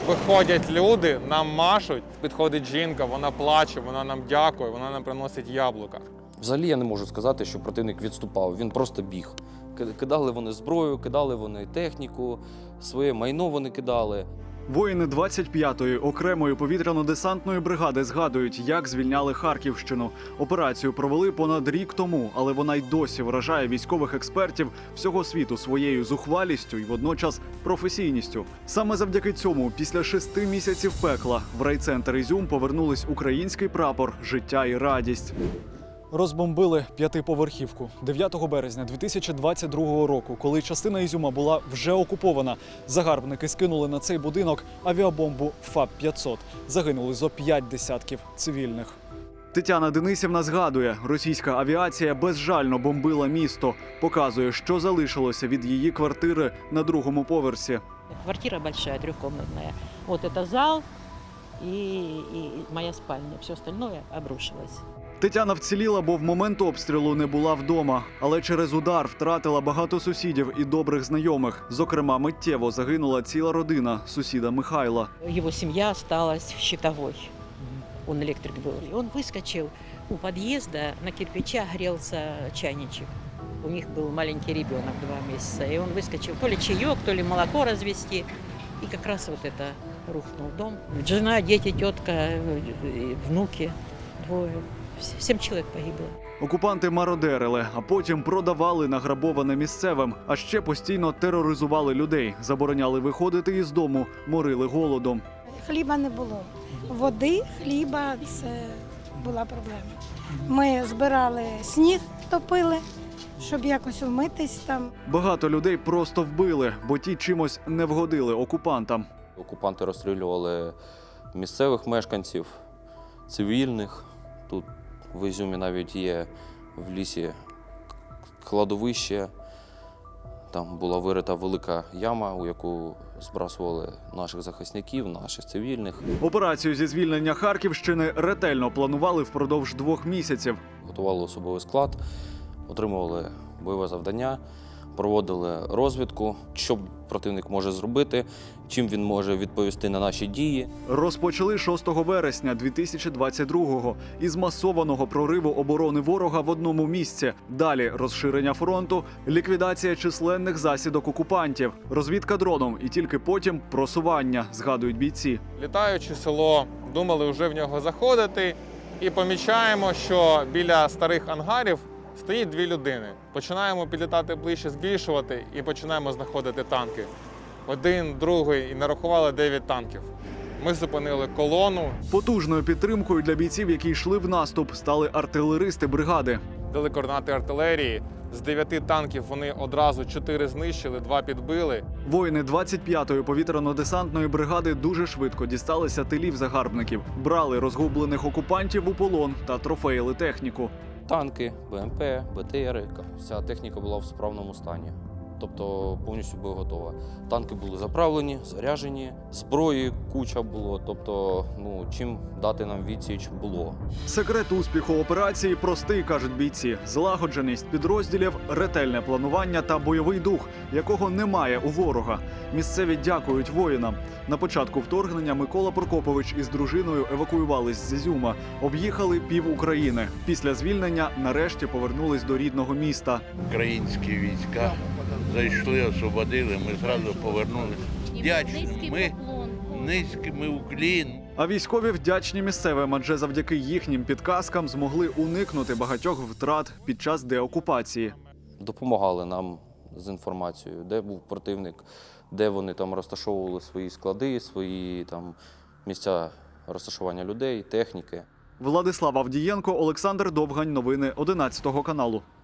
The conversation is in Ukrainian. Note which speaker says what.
Speaker 1: Виходять люди, нам машуть, підходить жінка, вона плаче, вона нам дякує, вона нам приносить яблука.
Speaker 2: Взагалі я не можу сказати, що противник відступав, він просто біг. Кидали вони зброю, кидали вони техніку, своє майно вони кидали.
Speaker 3: Воїни 25-ї окремої повітряно-десантної бригади згадують, як звільняли Харківщину. Операцію провели понад рік тому, але вона й досі вражає військових експертів всього світу своєю зухвалістю і водночас професійністю. Саме завдяки цьому, після 6 місяців пекла, в райцентр Ізюм повернулись український прапор, життя і радість. Розбомбили п'ятиповерхівку 9 березня 2022 року, коли частина Ізюма була вже окупована. Загарбники скинули на цей будинок авіабомбу ФАП-500. Загинули зо 5 десятків цивільних. Тетяна Денисівна згадує, російська авіація безжально бомбила місто. Показує, що залишилося від її квартири на другому поверсі.
Speaker 4: Квартира большая, трехкомнатная. Вот это зал и моя спальня. Все остальное обрушилось.
Speaker 3: Тетяна вціліла, бо в момент обстрілу не була вдома. Але через удар втратила багато сусідів і добрих знайомих. Зокрема, миттєво загинула ціла родина сусіда Михайла.
Speaker 4: Его семья осталась в Щитовой. Он электрик был. И он выскочил у подъезда, на кирпичах грелся чайничек. У них был маленький ребенок, 2 месяца. И он выскочил то ли чаек, то ли молоко развести. И как раз вот это рухнул дом. Жена, дети, тетка, внуки, 2. 7 чоловік погибло.
Speaker 3: Окупанти мародерили, а потім продавали награбоване місцевим. А ще постійно тероризували людей, забороняли виходити із дому, морили голодом.
Speaker 5: Хліба не було. Води, хліба – це була проблема. Ми збирали сніг, топили, щоб якось вмитись там.
Speaker 3: Багато людей просто вбили, бо ті чимось не вгодили окупантам.
Speaker 2: Окупанти розстрілювали місцевих мешканців, цивільних. Тут в Ізюмі навіть є в лісі кладовище. Там була вирита велика яма, у яку збрасували наших захисників, наших цивільних.
Speaker 3: Операцію зі звільнення Харківщини ретельно планували впродовж 2 місяців.
Speaker 2: Готували особовий склад, отримували бойове завдання, проводили розвідку, що противник може зробити, чим він може відповісти на наші дії.
Speaker 3: Розпочали 6 вересня 2022-го із масованого прориву оборони ворога в одному місці. Далі розширення фронту, ліквідація численних засідок окупантів, розвідка дроном і тільки потім просування, згадують бійці.
Speaker 1: Літаючи село, думали вже в нього заходити і помічаємо, що біля старих ангарів стоїть 2 людини. Починаємо підлітати ближче, збільшувати і починаємо знаходити танки. 1, другий і нарахували 9 танків. Ми зупинили колону.
Speaker 3: Потужною підтримкою для бійців, які йшли в наступ, стали артилеристи бригади.
Speaker 1: Дали координати артилерії. З 9 танків вони одразу 4 знищили, 2 підбили.
Speaker 3: Воїни 25-ї повітряно-десантної бригади дуже швидко дісталися тилів загарбників. Брали розгублених окупантів у полон та трофеїли техніку.
Speaker 2: Танки, БМП, БТРи, вся техніка була в справному стані. Тобто повністю боєготова. Танки були заправлені, заряджені, зброї куча було, тобто чим дати нам відсіч було.
Speaker 3: Секрет успіху операції простий, кажуть бійці. Злагодженість підрозділів, ретельне планування та бойовий дух, якого немає у ворога. Місцеві дякують воїнам. На початку вторгнення Микола Прокопович із дружиною евакуювались з Ізюма. Об'їхали пів України. Після звільнення нарешті повернулись до рідного міста.
Speaker 6: Українські війська зайшли, освободили, ми зразу повернулися. Вдячні, низький уклін.
Speaker 3: А військові вдячні місцевим, адже завдяки їхнім підказкам змогли уникнути багатьох втрат під час деокупації.
Speaker 2: Допомагали нам з інформацією, де був противник, де вони там розташовували свої склади, свої там місця розташування людей, техніки.
Speaker 3: Владислав Авдієнко, Олександр Довгань. Новини 11 каналу.